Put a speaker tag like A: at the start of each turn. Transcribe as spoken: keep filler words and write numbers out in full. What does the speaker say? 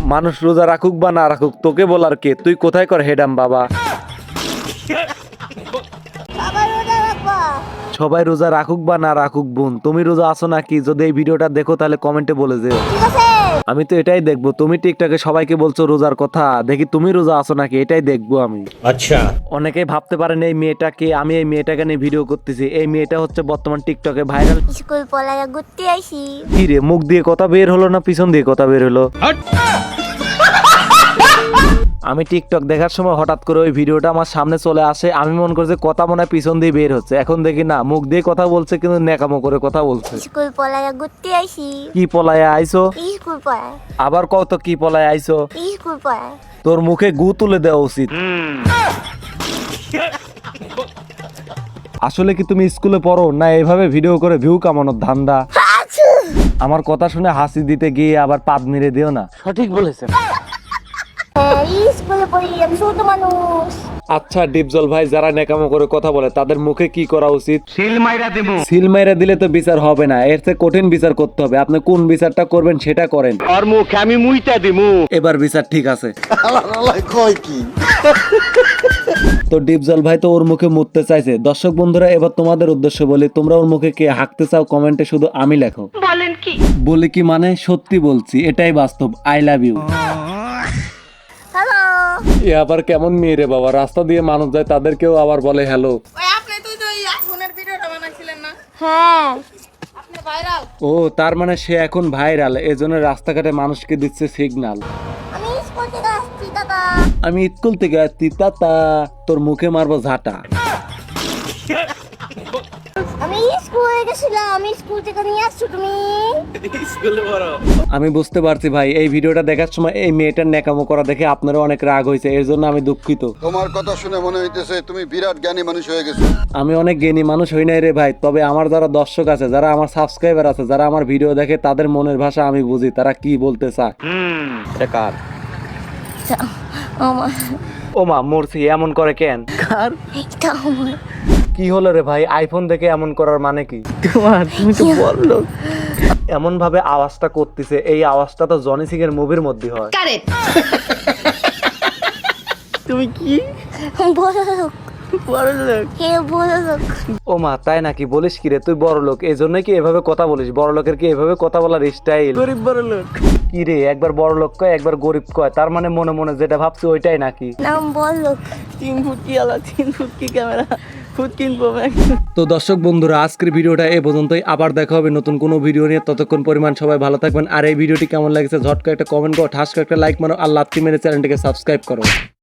A: মানুষ রোজা রাখুক বা না রাখুক তোকে বলার কে, তুই কোথায় কর হেডাম বাবা। সবাই রোজা রাখুক বা না রাখুক বোন, তুমি রোজা আছো নাকি? যদি এই ভিডিওটা দেখো তাহলে কমেন্টে বলে যেও। আমি তো এটাই দেখবো, তুমি টিকটকে সবাইকে বলছো রোজার কথা, দেখি তুমি রোজা আছো নাকি, এটাই দেখবো আমি।
B: আচ্ছা,
A: অনেকেই ভাবতে পারেন এই মেয়েটাকে, আমি এই মেয়েটাকে নিয়ে ভিডিও করতেছি। এই মেয়েটা হচ্ছে বর্তমান টিকটকে ভাইরাল।
C: স্কুল পড়ায় ঘুরতে আইছি।
A: কি রে, মুখ দিয়ে কথা বের হলো না পিছন দিয়ে কথা বের হলো? আমি টিকটক দেখার সময় হঠাৎ করে ওই ভিডিওটা আমার সামনে চলে আসে, আমি মনে করছি কথা মনে হয় পিছন দিয়ে বের হচ্ছে, এখন দেখি না মুখ দিয়ে কথা বলছে কিন্তু ন্যাকামো করে কথা বলছে।
C: স্কুল পড়ায় ঘুরতে আইছি।
A: কি পলায় আইছো?
C: স্কুল পড়ায়।
A: আবার কত কি পলায় আইছো?
C: স্কুল পড়ায়।
A: তোর মুখে গু তুলে দেওয়া উচিত। আসলে কি তুমি স্কুলে পড়ো না এইভাবে ভিডিও করে ভিউ কামানোর ধান্দা? আমার কথা শুনে হাসি দিতে গিয়ে আবার পাদ মেরে দিও না। সঠিক বলেছেন।
C: স্কুলে পড়ি, আমি ছোট মানুষ।
A: আচ্ছা ডিপজল ভাই, যারা নেকামো করে কথা বলে তাদের মুখে কি করা উচিত?
B: সিল মাইরা দেব।
A: সিল মাইরা দিলে তো বিচার হবে না, এর চেয়ে কঠিন বিচার করতে হবে। আপনি কোন বিচারটা করবেন সেটা করেন।
B: আর মুখে আমি মুইতা দিমু।
A: এবার বিচার ঠিক আছে।
B: কয় কি?
A: তো ডিপজল ভাই তো ওর মুখে মুততে চাইছে। দর্শক বন্ধুরা, এবার তোমাদের উদ্দেশ্য বলি, তোমরা ওর মুখে কে হাঁকতে চাও কমেন্টে শুধু আমি লেখো।
C: বলেন কি?
A: বলি কি মানে সত্যি বলছি, এটাই বাস্তব। I love you.
C: হ্যালো।
A: এ আবার কেমন মেয়ে রে বাবা, রাস্তা দিয়ে মানুষ যায় তাদেরকেও আবার বলে হ্যালো।
D: ওই আপনি তুই তো এই আইফোনের ভিডিওটা বানাইছিলেন না?
C: হ্যাঁ।
D: আপনি ভাইরাল।
A: ও তার মানে সে এখন ভাইরাল, এজন্য রাস্তাঘাটে মানুষকে দিচ্ছে সিগন্যাল।
C: আমি স্কুল থেকে আসছি দাদা।
A: আমি স্কুল থেকে আসছি তাতা, তোর মুখে মারবো ঝাঁটা।
C: আমি স্কুলে গেছিলাম, আমি স্কুল থেকে নিয়ে আসছো তুমি।
A: আমি বুঝতে পারছি ভাই, এই ভিডিওটা দেখার সময় এই মেয়েটার ন্যাকামো করা দেখে আপনারও অনেক রাগ হয়েছে, এর জন্য আমি দুঃখিত।
E: তোমার কথা শুনে মনে হইতেছে তুমি বিরাট জ্ঞানী মানুষ হয়ে গেছো।
A: আমি অনেক জ্ঞানী মানুষ হই নাই রে ভাই, তবে আমার যারা দর্শক আছে, যারা আমার সাবস্ক্রাইবার আছে, যারা আমার ভিডিও দেখে, তাদের মনের ভাষা আমি বুঝি, তারা কি বলতে চায়। এটা কার?
C: আমার।
A: ও মা মরছি, এমন করে কেন? কার?
C: এটা আমার।
A: কি হলো রে ভাই, আইফোন দেখে এমন করার মানে কি?
D: তোমার তুমি তো বললো।
A: এমন ভাবে আওয়াজটা করতেছে, এই আওয়াজটা তো জনি সিং এর মুভির মধ্যে হয়।
C: কারেক্ট।
D: তুমি কি
C: বড় লোক।
D: বড় লোক?
C: হে বড় লোক।
A: ও মা তাই নাকি? বলিস কি রে, তুই বড় লোক এই জন্যই কি এভাবে কথা বলিস? বড় লোকের কি এভাবে কথা বলার স্টাইল?
D: গরিব বড় লোক।
A: কি রে, একবার বড় লোক কয় একবার গরিব কয়, তার মানে মনে মনে যেটা ভাবছি ওইটাই নাকি?
C: নাম বড় লোক।
D: তিন ফুট কি আলা, তিন ফুট কি ক্যামেরা, ফুট কিনবো ম্যাক।
A: তো দর্শক বন্ধুরা, আজকের ভিডিওটা এ পর্যন্তই। আবার দেখা হবে নতুন কোনো ভিডিও নিয়ে, ততক্ষণ পরিমাণ সবাই ভালো থাকবেন। আর এই ভিডিওটি কেমন লাগছে ঝটকা একটা কমেন্ট করো, ঠাস করে একটা লাইক মারো, আর লাত্তি মেরে চ্যানেলটিকে সাবস্ক্রাইব করো।